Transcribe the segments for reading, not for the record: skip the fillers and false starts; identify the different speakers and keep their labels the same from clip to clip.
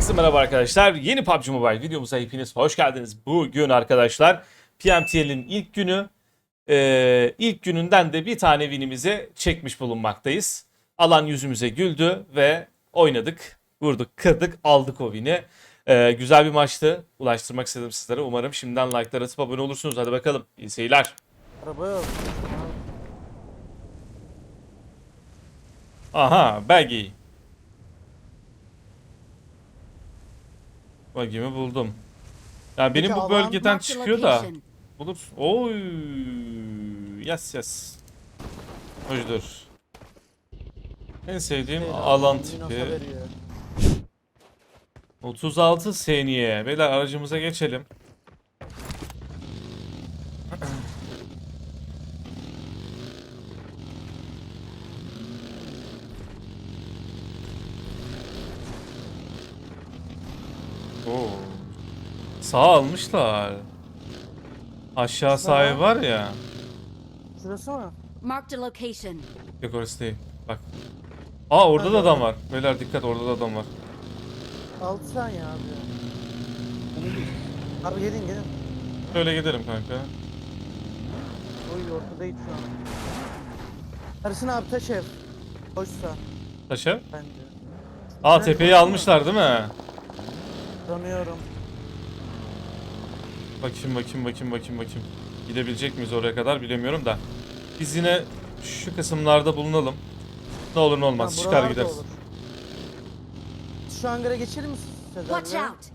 Speaker 1: Herkese merhaba arkadaşlar. Yeni PUBG Mobile videomuza hepiniz hoş geldiniz. Bugün arkadaşlar PMTL'in ilk günü. İlk gününden de bir tane winimizi çekmiş bulunmaktayız. Alan yüzümüze güldü ve oynadık. Vurduk, kırdık, aldık o win'i. Güzel bir maçtı. Ulaştırmak istedim sizlere. Umarım şimdiden like'lar atıp abone olursunuz. Hadi bakalım. İyi seyirler.
Speaker 2: Araba yok.
Speaker 1: Aha, Baggy. Baggy'mi buldum. Yani
Speaker 2: Peki
Speaker 1: benim bu
Speaker 2: alan-
Speaker 1: bölgeden
Speaker 3: Marked a
Speaker 1: çıkıyor da.
Speaker 3: location.
Speaker 1: Bulur. Oy. Yes. Hoşdur. En sevdiğim alan
Speaker 2: Minosa
Speaker 1: tipi.
Speaker 2: veriyor.
Speaker 1: 36 saniye. Beyler aracımıza geçelim. Oo. Sağ almışlar. Aşağı
Speaker 2: Sağ.
Speaker 1: sahibi var ya.
Speaker 2: Şurası mı?
Speaker 3: Marked a location.
Speaker 1: Yok orası değil. Bak. Aa orada da
Speaker 2: Hadi
Speaker 1: adam
Speaker 2: bakalım.
Speaker 1: var. Beyler dikkat, orada da adam var.
Speaker 2: 6 saniye abi. Abi gelin.
Speaker 1: Şöyle gidelim kanka.
Speaker 2: Oy ortadayız şu an. Ersin abi taş ev. Boşsa
Speaker 1: Taşa.
Speaker 2: bence.
Speaker 1: Aa
Speaker 2: Evet,
Speaker 1: tepeyi
Speaker 2: baksana.
Speaker 1: almışlar değil mi?
Speaker 2: Tanıyorum.
Speaker 1: Bakayım. Gidebilecek miyiz oraya kadar bilemiyorum da. Biz yine şu kısımlarda bulunalım. Ne olur ne olmaz.
Speaker 2: Ha,
Speaker 1: Çıkar
Speaker 2: buralarda
Speaker 1: gideriz.
Speaker 2: olur. Şu hangara geçelim mi
Speaker 3: Watch
Speaker 2: Sezer'le?
Speaker 3: out.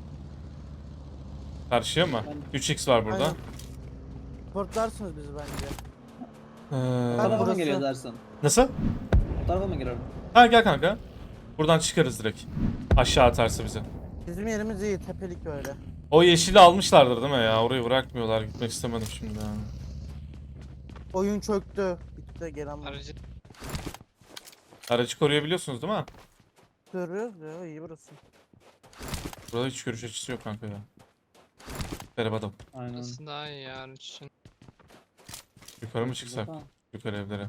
Speaker 1: Karşıya mı? 3x var burada.
Speaker 2: Aynen. Portlarsınız bizi bence.
Speaker 1: Ee,
Speaker 2: Ben
Speaker 4: Tarafa mı
Speaker 2: burası-
Speaker 4: geliyor dersin?
Speaker 1: nasıl?
Speaker 4: O tarafa mı girelim?
Speaker 1: Ha gel kanka. Buradan çıkarız direkt. Aşağı atarsa bize.
Speaker 2: Bizim yerimiz iyi, tepelik böyle.
Speaker 1: O yeşili almışlardır değil mi ya? Orayı bırakmıyorlar. Gitmek istemedim şimdi ya.
Speaker 2: Oyun çöktü. Bitti gelen var.
Speaker 5: Aracı
Speaker 1: Aracı koruyabiliyorsunuz değil mi?
Speaker 2: Görüyoruz ya, iyi burası.
Speaker 1: Burada hiç görüş açısı yok kanka ya. Merhaba adam.
Speaker 4: Aynen.
Speaker 5: burası daha iyi ya araç için.
Speaker 1: Yukarı mı çıksak?
Speaker 4: Tamam.
Speaker 1: Yukarı evlere.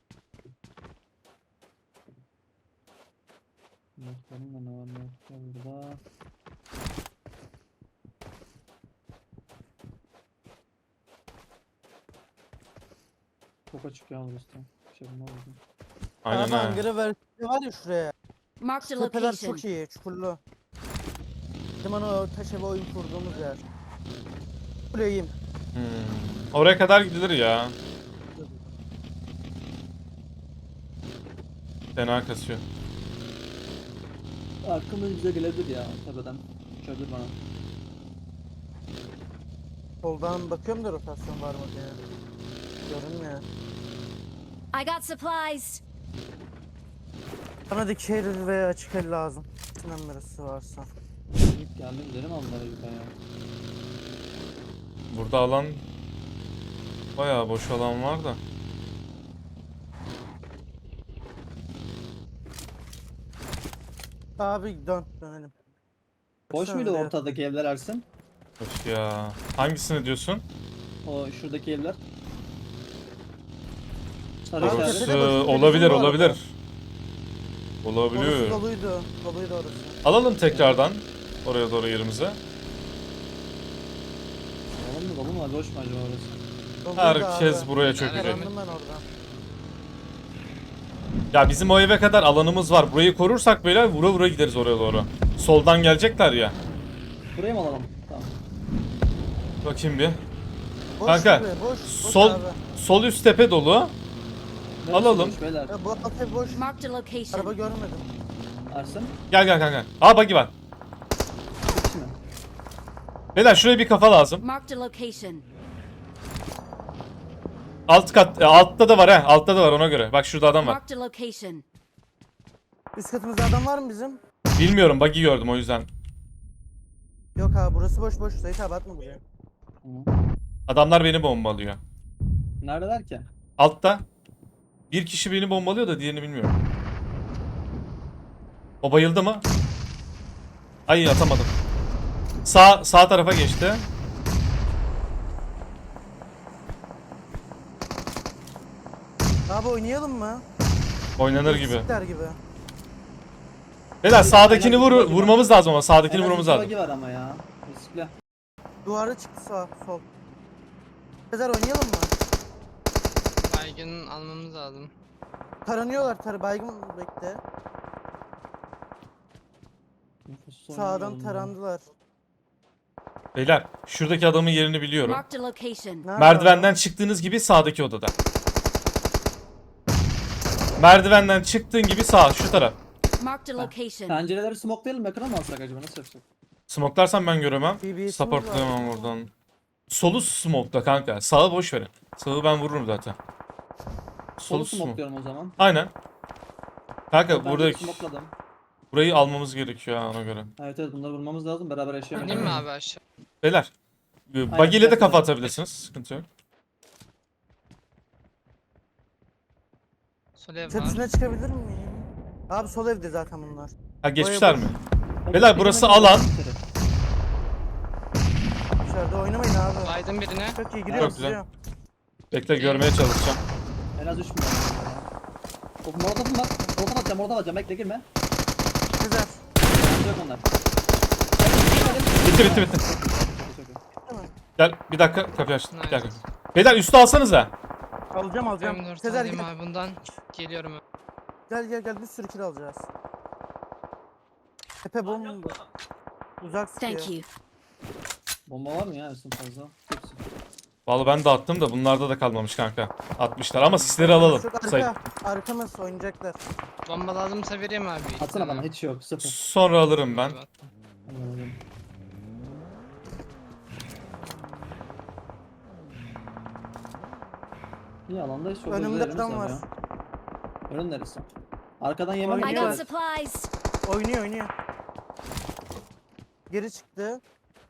Speaker 4: Notlarım da ne var notlar burada. Çok açık ya burası. Bir şey bulmaz mı?
Speaker 1: Aynen
Speaker 2: Abi
Speaker 1: ha.
Speaker 2: hangara versiyonu var ya şuraya.
Speaker 3: Marked a
Speaker 2: Tepeler
Speaker 3: location.
Speaker 2: çok iyi, çukurlu. Bizim hani o taş eve oyun kurduğumuz yer. Kuleyim.
Speaker 1: Oraya kadar gidilir ya. Fena kasıyor.
Speaker 4: Arkamda bize gelebilir ya tepeden. Uçabilir bana.
Speaker 2: Soldan bakıyorum da rotasyon var mı diye. Görünmüyor.
Speaker 3: I got supplies.
Speaker 2: Bana dikey el ve açık el lazım. Sinan birisi varsa.
Speaker 4: Git geldim gidelim onlara yukarıya.
Speaker 1: Burada alan bayağı boş alan var da.
Speaker 2: Abi dönelim.
Speaker 4: Boş
Speaker 2: Baksana
Speaker 4: muydu
Speaker 2: nereye-
Speaker 4: ortadaki evler Ersin?
Speaker 1: Boş ya. Hangisini diyorsun?
Speaker 4: O şuradaki evler. Sarı
Speaker 2: Abi,
Speaker 1: Orası
Speaker 4: işaret.
Speaker 2: tepede boş bir
Speaker 1: olabilir
Speaker 2: bizim var
Speaker 1: olabilir.
Speaker 2: orada. Orası
Speaker 1: Olabiliyor.
Speaker 2: doluydu. Doluydu orası.
Speaker 1: Alalım tekrardan oraya doğru yerimize.
Speaker 4: Oğlum mu dolu mu? Boş mu acaba orası?
Speaker 2: Doluydu
Speaker 1: Herkes
Speaker 2: abi.
Speaker 1: buraya çökecek.
Speaker 2: Yakalandım ben orada.
Speaker 1: Ya bizim o eve kadar alanımız var. Burayı korursak böyle vura vura gideriz oraya doğru. Soldan gelecekler ya.
Speaker 4: Buraya mı alalım? Tamam.
Speaker 1: Bakayım bir.
Speaker 2: Boş
Speaker 1: Kanka,
Speaker 2: gibi, boş
Speaker 1: Sol
Speaker 2: abi.
Speaker 1: sol üst tepe dolu.
Speaker 4: Neresi
Speaker 1: Alalım.
Speaker 4: boş beyler?
Speaker 2: Ya bu alt ev boş.
Speaker 3: Marked a
Speaker 2: Araba
Speaker 3: location.
Speaker 2: görmedim.
Speaker 4: Ersin?
Speaker 1: Gel kanka. Aa buggy var.
Speaker 4: Bir kişi mi?
Speaker 1: Beyler şuraya bir kafa lazım.
Speaker 3: Marked a location.
Speaker 1: Alt kat altta da var he. Altta da var ona göre. Bak şurada adam var.
Speaker 3: Marked a location.
Speaker 2: Üst katımızda adam var mı bizim?
Speaker 1: Bilmiyorum buggy gördüm o yüzden.
Speaker 2: Yok abi burası boş. Sait abi atma buraya.
Speaker 4: Tamam.
Speaker 1: Adamlar beni bombalıyor.
Speaker 4: Neredeler ki?
Speaker 1: Altta. Bir kişi beni bombalıyor da diğerini bilmiyorum. O bayıldı mı? Ay atamadım. Sağ tarafa geçti.
Speaker 2: Abi oynayalım mı?
Speaker 1: Oynanır gibi.
Speaker 2: Sikler gibi.
Speaker 1: Beyler sağdakini
Speaker 4: En az iki bagi var.
Speaker 1: vurmamız lazım ama sağdakini
Speaker 4: En az
Speaker 1: vurmamız
Speaker 4: iki
Speaker 1: lazım.
Speaker 4: bagi var ama ya. Riskli.
Speaker 2: Duvara çıktı sağ sol. Sezer oynayalım mı?
Speaker 5: Baygın almamız lazım.
Speaker 2: Taranıyorlar baygın bekle.
Speaker 4: Nefessiz
Speaker 2: Sağdan
Speaker 4: oynayalım ya.
Speaker 2: tarandılar.
Speaker 1: Beyler şuradaki adamın yerini biliyorum.
Speaker 3: Marked a location.
Speaker 2: Nerede
Speaker 1: Merdivenden çıktığınız gibi sağdaki odada. Merdivenden çıktığın gibi sağ şu taraf.
Speaker 3: Marked a location.
Speaker 4: Pencereleri smokelayalım yakına mı alsak acaba nasıl yapsak?
Speaker 1: Smoklarsam ben göremem.
Speaker 2: BBS'imiz
Speaker 1: Supportlayamam oradan. Solu smokla kanka. Sağı boş verin. Sağı ben vururum zaten.
Speaker 4: Solu
Speaker 1: smoke.
Speaker 4: smokluyorum o zaman.
Speaker 1: Aynen. Kanka
Speaker 4: Ben
Speaker 1: burada
Speaker 4: de smokeladım.
Speaker 1: burayı almamız gerekiyor ha, ona göre.
Speaker 4: Evet evet bunları vurmamız lazım beraber yaşayamayız.
Speaker 5: İneyim mi abi aşağı?
Speaker 1: Beyler. Buggy ile de
Speaker 4: yapalım.
Speaker 1: kafa atabilirsiniz. Sıkıntı yok.
Speaker 5: Sol ev var.
Speaker 2: Tepsine çıkabilir miyim? Abi sol evde zaten bunlar.
Speaker 1: Ha geçmişler
Speaker 2: boş.
Speaker 1: mi? Beyler, burası alan.
Speaker 2: Dışarıda oynamayın abi.
Speaker 5: Baydım birine.
Speaker 2: Çok iyi giriyorum
Speaker 1: Çok güzel.
Speaker 2: size.
Speaker 1: Bekle görmeye çalışacağım.
Speaker 4: En az 3 milyon. Molotofum var. Molotov atacağım bekle girme.
Speaker 2: Sezer.
Speaker 4: Yok onlar.
Speaker 1: Bitti.
Speaker 4: Çok iyi.
Speaker 1: Gel bir dakika kapıyı açtım.
Speaker 5: Nice.
Speaker 1: Gel. Beyler üstü alsanıza.
Speaker 2: Alacağım.
Speaker 5: M4
Speaker 2: Sezer
Speaker 5: alayım
Speaker 2: gel.
Speaker 5: abi bundan. Geliyorum.
Speaker 2: Gel bir sürü kill alacağız. Tepe bomba. Uzak sıkıyor.
Speaker 3: Thank you.
Speaker 4: Bomba var mı ya Ersin fazla? Hepsi.
Speaker 1: Vallahi ben de attım da bunlarda da kalmamış kanka. Atmışlar ama sisleri alalım.
Speaker 2: Çok
Speaker 1: Sayın.
Speaker 2: arkamız oynayacaklar.
Speaker 5: Bomba lazımsa vereyim abi.
Speaker 4: Atsana bana hiç yok sıfır.
Speaker 1: Sonra alırım ben.
Speaker 4: Anladım. İyi alanda hiç yok.
Speaker 2: Önümde
Speaker 4: Özür
Speaker 2: adam
Speaker 4: dilerim
Speaker 2: var.
Speaker 4: sen ya. Önün neresi? Arkadan yemek
Speaker 3: I got
Speaker 2: Oynuyor.
Speaker 3: supplies.
Speaker 2: Oynuyor. Geri çıktı.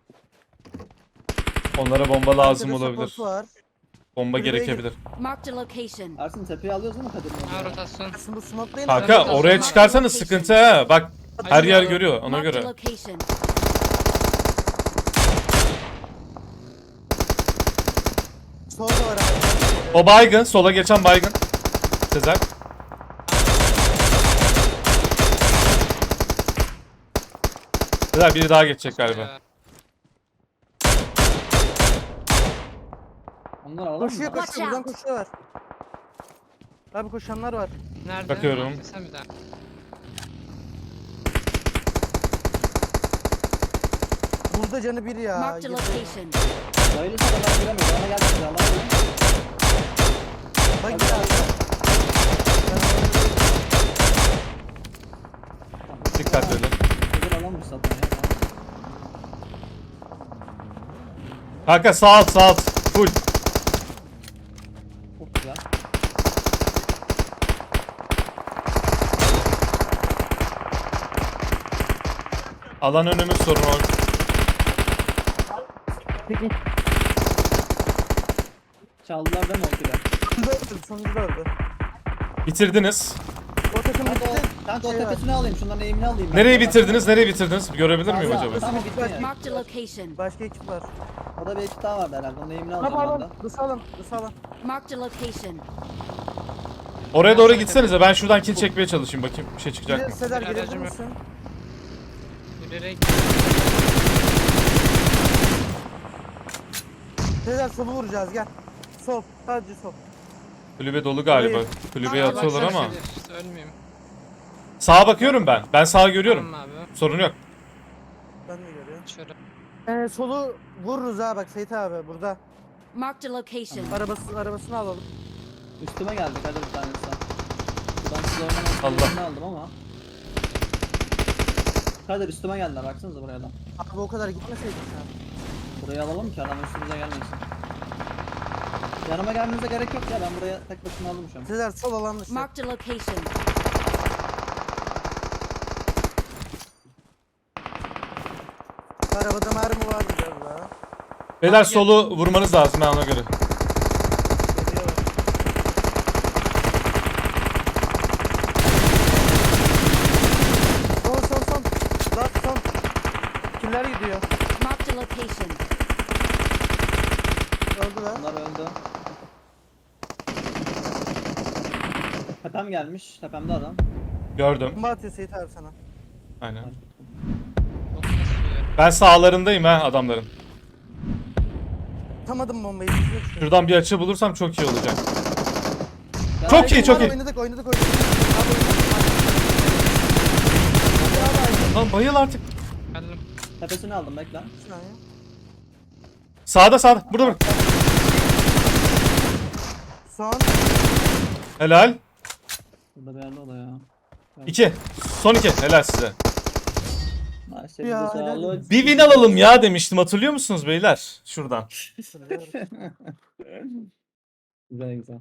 Speaker 1: Onlara bomba lazım
Speaker 2: Arkada
Speaker 1: olabilir.
Speaker 2: support'u var.
Speaker 1: Bomba
Speaker 2: Kulübeye
Speaker 1: gerekebilir.
Speaker 3: Marked a location.
Speaker 4: Ersin tepeyi alıyoruz değil mi Kadir'in?
Speaker 5: Ha
Speaker 4: oraya?
Speaker 5: rotasyon.
Speaker 2: Şimdi bu smoke'layın.
Speaker 1: Kanka
Speaker 5: Evet,
Speaker 1: oraya
Speaker 5: evet.
Speaker 1: çıkarsanız sıkıntı ha. Bak her yer
Speaker 5: Acaba-
Speaker 1: görüyor ona
Speaker 3: Marked a
Speaker 1: göre.
Speaker 3: location.
Speaker 2: Solda var abi.
Speaker 1: O baygın, sola geçen baygın. Sezer. Sezer biri daha geçecek galiba.
Speaker 4: Onlar alalım
Speaker 2: Koşuyor
Speaker 4: mı?
Speaker 3: Watch
Speaker 2: buradan
Speaker 3: out.
Speaker 2: koşuyorlar. Abi koşanlar var.
Speaker 5: Nerede?
Speaker 1: Bakıyorum.
Speaker 5: Sen bir daha.
Speaker 2: Burada canı bir ya.
Speaker 3: Marked a
Speaker 2: Girdi.
Speaker 3: location.
Speaker 4: Bayılırsa da ben giremiyorum. Bana gelsin ya. Allah'a emanet.
Speaker 2: Bak
Speaker 4: Hadi
Speaker 2: ya.
Speaker 4: abi.
Speaker 1: Dikkatli olun.
Speaker 4: Kadir alanmış zaten ya.
Speaker 1: Kanka sağ alt sağ alt. Full.
Speaker 4: Çok güzel.
Speaker 1: Alan önümüz sorun o.
Speaker 2: Peki.
Speaker 4: Çaldılar değil mi o kere?
Speaker 2: Sonunda da öldü.
Speaker 1: Bitirdiniz.
Speaker 2: O takım
Speaker 4: Kanka
Speaker 2: bitti.
Speaker 4: o
Speaker 2: Şey var.
Speaker 4: tepesini alayım. Şunların eğimini alayım. ben.
Speaker 1: Nereyi bitirdiniz? Nereyi bitirdiniz? Görebilir miyim
Speaker 4: Fazla,
Speaker 1: acaba?
Speaker 4: Tamam bitti ya.
Speaker 3: Marked a location.
Speaker 2: Başka ekip var.
Speaker 4: Orada bir ekip daha vardı herhalde. Onun eğimini
Speaker 2: Ne
Speaker 4: alacağım ben de.
Speaker 2: yapalım? Dışalım.
Speaker 3: Marked a location.
Speaker 1: Oraya doğru gitsenize. Ben şuradan kill çekmeye çalışayım. Bakayım bir şey çıkacak mı?
Speaker 2: Sezer
Speaker 5: Bir
Speaker 2: girebilir
Speaker 5: aracım yok.
Speaker 2: misin?
Speaker 5: Yürüyerek.
Speaker 2: Sezer solu vuracağız gel. Sol. Sadece sol.
Speaker 1: Kulübe dolu galiba.
Speaker 2: Hayır.
Speaker 1: Kulübeye
Speaker 3: Bak,
Speaker 1: atıyorlar
Speaker 5: Baksana
Speaker 1: ama.
Speaker 5: Kadir, ölmeyeyim.
Speaker 1: Sağa bakıyorum ben. Ben sağa görüyorum.
Speaker 5: Tamam abi.
Speaker 1: Sorun yok.
Speaker 2: Ben de görüyorum.
Speaker 5: Şöyle.
Speaker 2: Solu vururuz ha bak Seyit abi burada.
Speaker 3: Marked a location.
Speaker 2: Arabasını alalım.
Speaker 4: Üstüme geldi Kadir bir tanesi. Ben size oynamak
Speaker 1: Allah.
Speaker 4: eğimini aldım ama. Kadir üstüme geldiler. Baksanıza buraya da.
Speaker 2: Abi o kadar gitmeseydik sen.
Speaker 4: Burayı alalım ki adam üstümüze gelmesin. Yanıma gelmenize gerek yok ya. Ben buraya tek başıma aldım şu an.
Speaker 2: Sezer sol alan dışı.
Speaker 3: Marked a location.
Speaker 2: Arabada mermi var biraz daha.
Speaker 1: Beyler solu vurmanız lazım ben ona göre.
Speaker 2: Geliyor. Son. Last son. Kimler gidiyor?
Speaker 3: Marked a location.
Speaker 2: Öldüler.
Speaker 4: Bunlar öldü. Tepem gelmiş. Tepemde adam.
Speaker 1: Gördüm.
Speaker 2: Bomba atıyor Seyit abi sana.
Speaker 1: Aynen.
Speaker 5: Çok kasıyor.
Speaker 1: Ben sağlarındayım ha adamların.
Speaker 2: Atamadım bombayı. Düşüyor şu.
Speaker 1: Şuradan bir açı bulursam çok iyi olacak.
Speaker 4: Ya,
Speaker 1: Çok iyi, çok iyi.
Speaker 2: Oynadık. Abi oynadık. Abi,
Speaker 1: Lan bayıl artık.
Speaker 5: Geldim.
Speaker 4: Tepesini aldım bekle.
Speaker 2: bir saniye.
Speaker 1: Sağda. Burada.
Speaker 2: Son.
Speaker 1: Helal.
Speaker 4: Burada bir yerde o da ya.
Speaker 1: 2. Son 2. Helal size.
Speaker 4: Nice.
Speaker 2: Ya,
Speaker 4: elinize
Speaker 2: helal
Speaker 4: sağlık.
Speaker 2: olsun.
Speaker 1: Bir win alalım ya demiştim. Hatırlıyor musunuz beyler? Şuradan.
Speaker 4: Güzel.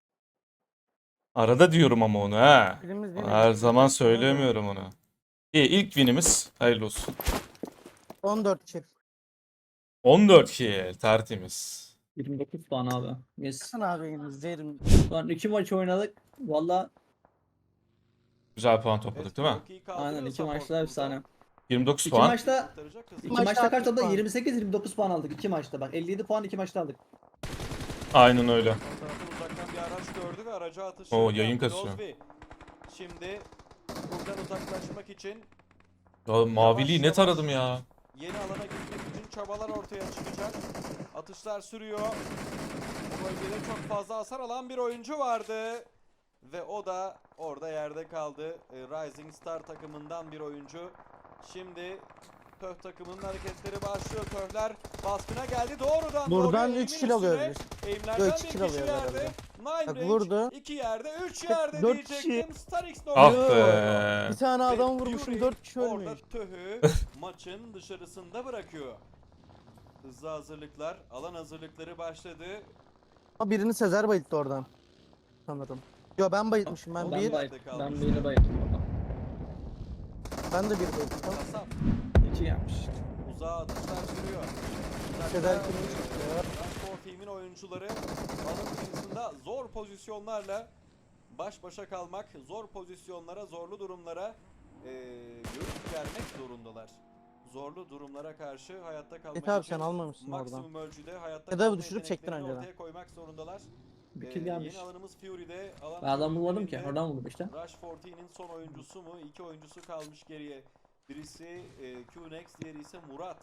Speaker 1: Arada diyorum ama onu ha.
Speaker 2: Birimiz yine-
Speaker 1: Her zaman söylemiyorum onu. İyi, ilk winimiz. Hayırlı olsun.
Speaker 2: 14 kill.
Speaker 1: 14 kill. Tertemiz.
Speaker 4: 29 puan abi. Yes.
Speaker 2: Sen abi izleyelim.
Speaker 4: Şu an 2 maç oynadık. Valla
Speaker 1: Güzel puan topladık değil mi?
Speaker 4: aynen 2 maçta efsane.
Speaker 1: 29
Speaker 4: 2
Speaker 1: puan.
Speaker 4: maçta
Speaker 2: maçta
Speaker 4: maçta kaç
Speaker 2: 60
Speaker 4: oldu?
Speaker 2: puan.
Speaker 4: 28-29 puan aldık 2 maçta. Bak 57 puan 2 maçta aldık.
Speaker 1: Aynen öyle.
Speaker 6: Uzaktan bir araç gördü ve araca atış.
Speaker 1: Oo,
Speaker 6: yaptı
Speaker 1: yayın kasıyor.
Speaker 6: Lozvi. Şimdi buradan uzaklaşmak için
Speaker 1: Ya, maviliği
Speaker 6: Yavaş
Speaker 1: ne
Speaker 6: yavaş.
Speaker 1: taradım ya.
Speaker 6: yeni alana gitmek için çabalar ortaya çıkacak. Atışlar sürüyor. Bu bölgede çok fazla hasar alan bir oyuncu vardı. Ve o da orada yerde kaldı. Rising Star takımından bir oyuncu. Şimdi Töh takımının hareketleri başlıyor. Töhler baskına geldi. Doğrudan
Speaker 2: Buradan
Speaker 6: doğruya
Speaker 2: 3
Speaker 6: eğimin
Speaker 2: kill alıyor
Speaker 6: üstüne.
Speaker 2: biz.
Speaker 6: Eğimlerden
Speaker 2: Yok, 2
Speaker 6: bir
Speaker 2: kill
Speaker 6: kişi
Speaker 2: alıyor
Speaker 6: yerde.
Speaker 2: herhalde.
Speaker 6: Nine
Speaker 2: Bak,
Speaker 6: range,
Speaker 2: vurdu.
Speaker 6: 2 yerde, 3
Speaker 2: Bak,
Speaker 6: yerde
Speaker 2: 4
Speaker 6: diyecektim. Starix
Speaker 1: Ah
Speaker 6: nokta.
Speaker 1: be.
Speaker 2: Bir tane adam
Speaker 6: Ve
Speaker 2: vurmuşum
Speaker 6: Fury
Speaker 2: 4 kişi
Speaker 6: orada
Speaker 2: ölmüş.
Speaker 6: Töh'ü maçın dışarısında bırakıyor. Hızlı hazırlıklar, alan hazırlıkları başladı.
Speaker 2: Ama birini Sezer bayılttı oradan. Sanırım. Yo ben bayıltmışım ben
Speaker 4: Ben
Speaker 2: bir.
Speaker 4: ben birini bayıldım orada.
Speaker 2: Ben de bir bayılttım.
Speaker 6: Kasap
Speaker 4: 2 yapmış.
Speaker 6: uzağa atışlar sürüyor.
Speaker 2: Sezer kimmiş?
Speaker 6: Transport Team'in oyuncuları alan dışında zor pozisyonlarla baş başa kalmak, zor pozisyonlara, zorlu durumlara göğüs germek zorundalar. Zorlu durumlara karşı hayatta kalmak
Speaker 2: Evet abi
Speaker 6: için
Speaker 2: sen almamışsın oradan.
Speaker 6: maksimum ölçüde hayatta
Speaker 2: Ya da
Speaker 6: kalma
Speaker 2: düşürüp çektin
Speaker 6: yeteneklerini
Speaker 2: önceden.
Speaker 6: ortaya koymak zorundalar.
Speaker 4: Bir kill gelmiş.
Speaker 6: Yeni alanımız Fury'de. Alan
Speaker 4: Ben adam bulmadım ki.
Speaker 6: üzerinde
Speaker 4: Oradan buldum işte.
Speaker 6: Rush 14'nin son oyuncusu mu? 2 oyuncusu kalmış geriye. Birisi QNX, diğeri ise Murat.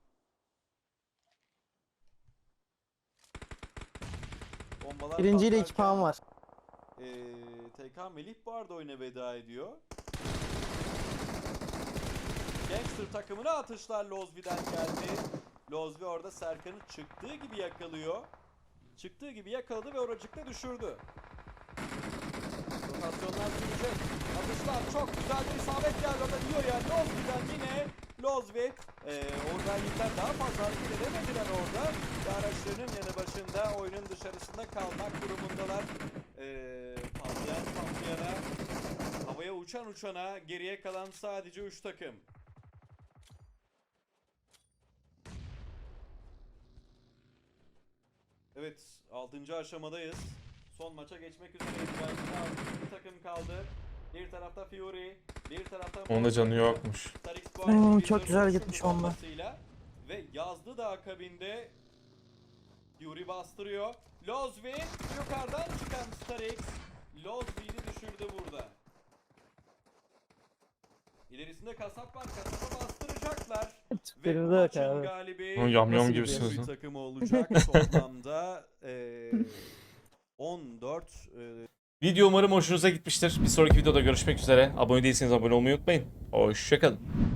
Speaker 6: Bombalar
Speaker 2: Birinciyle 2
Speaker 6: patlarken,
Speaker 2: puan var.
Speaker 6: TK Melih bu arada oyuna veda ediyor. Gangster takımına atışlar Lozvi'den geldi. Lozvi orada Serkan'ı çıktığı gibi yakalıyor. Çıktığı gibi yakaladı ve oracıkta düşürdü. Rotasyonlar sürecek. Atışlar çok güzel bir isabet geldi. Orada diyor ya Lozvi'den yine Lozvi. Oradan yıllar daha fazla hareket edemediler orada. Ve araçlarının yanı başında oyunun dışarısında kalmak durumundalar. Patlayan patlayana, havaya uçan uçana geriye kalan sadece 3 takım. Evet, 6. aşamadayız. Son maça geçmek üzereyiz. Bir takım kaldı. Bir tarafta Fury, bir tarafta
Speaker 1: Onun da canı yokmuş.
Speaker 6: Starix
Speaker 2: çok güzel gitmiş onda.
Speaker 6: ve yazdı da akabinde Fury bastırıyor. Lozvi yukarıdan çıkan Starix Lozvi'yi düşürdü burada. İlerisinde kasap var. Kasaba bastıracaklar. Ve
Speaker 2: Benim
Speaker 6: bu
Speaker 2: de yok
Speaker 6: maçın
Speaker 2: abi.
Speaker 6: galibi
Speaker 1: Yam yam
Speaker 6: nasıl
Speaker 1: gibisiniz
Speaker 6: bir
Speaker 1: lan.
Speaker 6: takımı olacak toplamda 14
Speaker 1: Video umarım hoşunuza gitmiştir. Bir sonraki videoda görüşmek üzere. Abone değilseniz abone olmayı unutmayın. Hoşçakalın.